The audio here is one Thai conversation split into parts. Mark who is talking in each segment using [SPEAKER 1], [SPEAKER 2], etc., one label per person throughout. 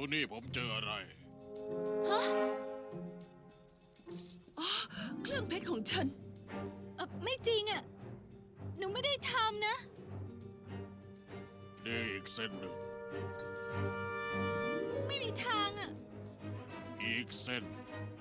[SPEAKER 1] นี่ผมเจออะไร
[SPEAKER 2] ฮะอ๋อเครื่องเพชรของฉันไม่จริงอ่ะหนูไม่ได้ทำนะ
[SPEAKER 1] นี่อีกเส้นหนึ่ง
[SPEAKER 2] ไม่มีทางอ่ะ
[SPEAKER 1] อีกเส้น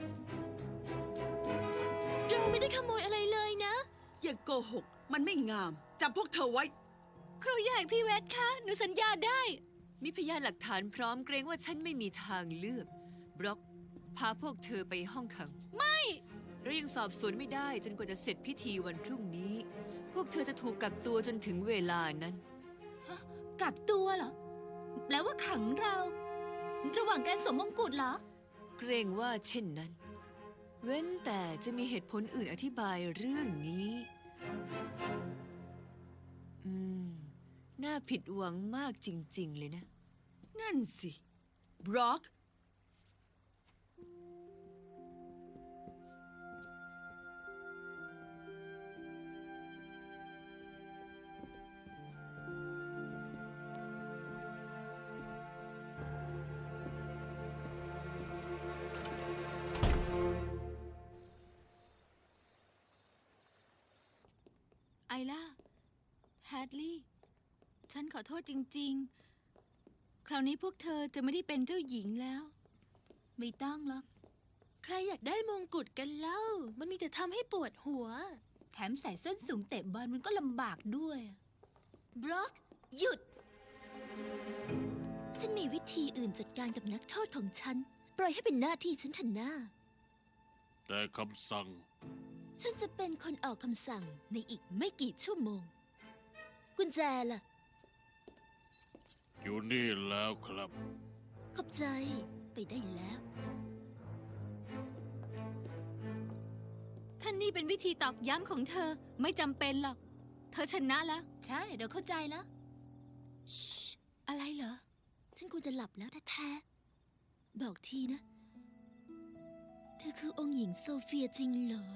[SPEAKER 2] เราไม่ได้ขโมยอะไรเลยนะอย่าโกหกมันไม่งามจับพวกเธอไว้ครูใหญ่พี่เวทคะหนูสัญญาได้
[SPEAKER 3] มีพยานหลักฐานพร้อมเกรงว่าฉันไม่มีทางเลือกบล็อกพาพวกเธอไปห้องขัง
[SPEAKER 2] ไม่
[SPEAKER 3] เรายังสอบสวนไม่ได้จนกว่าจะเสร็จพิธีวันพรุ่งนี้พวกเธอจะถูกกักตัวจนถึงเวลานั้น
[SPEAKER 4] กักตัวเหรอแปลว่าขังเรา ระหว่างการสวมมงกุฎเหรอ
[SPEAKER 3] เกรงว่าเช่นนั้นเว้นแต่จะมีเหตุผลอื่นอธิบายเรื่องนี้น่าผิดหวังมากจริงๆเลยนะ
[SPEAKER 2] นั่นสิบล็อกไอล่าแฮดลี่ฉันขอโทษจริงๆคราวนี้พวกเธอจะไม่ได้เป็นเจ้าหญิงแล้ว
[SPEAKER 4] ไม่ต้องหรอก
[SPEAKER 2] ใครอยากได้มงกุฎกันเล่ามันมีแต่ทำให้ปวดหัว
[SPEAKER 4] แถมใส่ส้นสูงเตะบอลมันก็ลำบากด้วย
[SPEAKER 2] บล็อกหยุดฉันมีวิธีอื่นจัดการกับนักโทษของฉันปล่อยให้เป็นหน้าที่ฉันทันหน้า
[SPEAKER 1] แต่คำสั่ง
[SPEAKER 2] ฉันจะเป็นคนออกคำสั่งในอีกไม่กี่ชั่วโมงกุญแจล่ะ
[SPEAKER 1] อยู่นี่แล้วครับ
[SPEAKER 2] ขอบใจไปได้แล้วท่านนี่เป็นวิธีตอกย้ำของเธอไม่จำเป็นหรอกเธอชนะแล้ว
[SPEAKER 4] ใช่เราเข้าใจแล้ว
[SPEAKER 2] อะไรเหรอฉันควรจะหลับแล้วแท้ๆบอกทีนะเธอคือองค์หญิงโซเฟียจริงเหรอ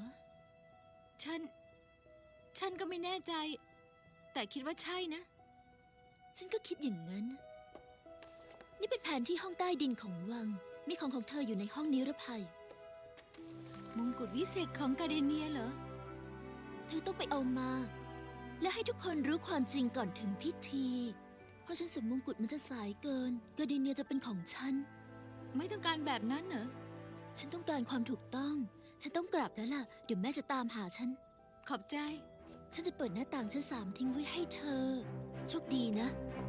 [SPEAKER 2] ฉันก็ไม่แน่ใจแต่คิดว่าใช่นะฉันก็คิดอย่างนั้นนี่เป็นแผนที่ห้องใต้ดินของวังมีของเธออยู่ในห้องนิรภัยมงกุฎวิเศษของกาเดเนียเหรอเธอต้องไปเอามาและให้ทุกคนรู้ความจริงก่อนถึงพิธีเพราะฉันสวมมงกุฎมันจะสายเกินกาเดเนียจะเป็นของฉันไม่ต้องการแบบนั้นเหรอฉันต้องการความถูกต้องฉันต้องกลับแล้วล่ะเดี๋ยวแม่จะตามหาฉันขอบใจฉันจะเปิดหน้าต่างชั้น3ทิ้งไว้ให้เธอโชคดีนะ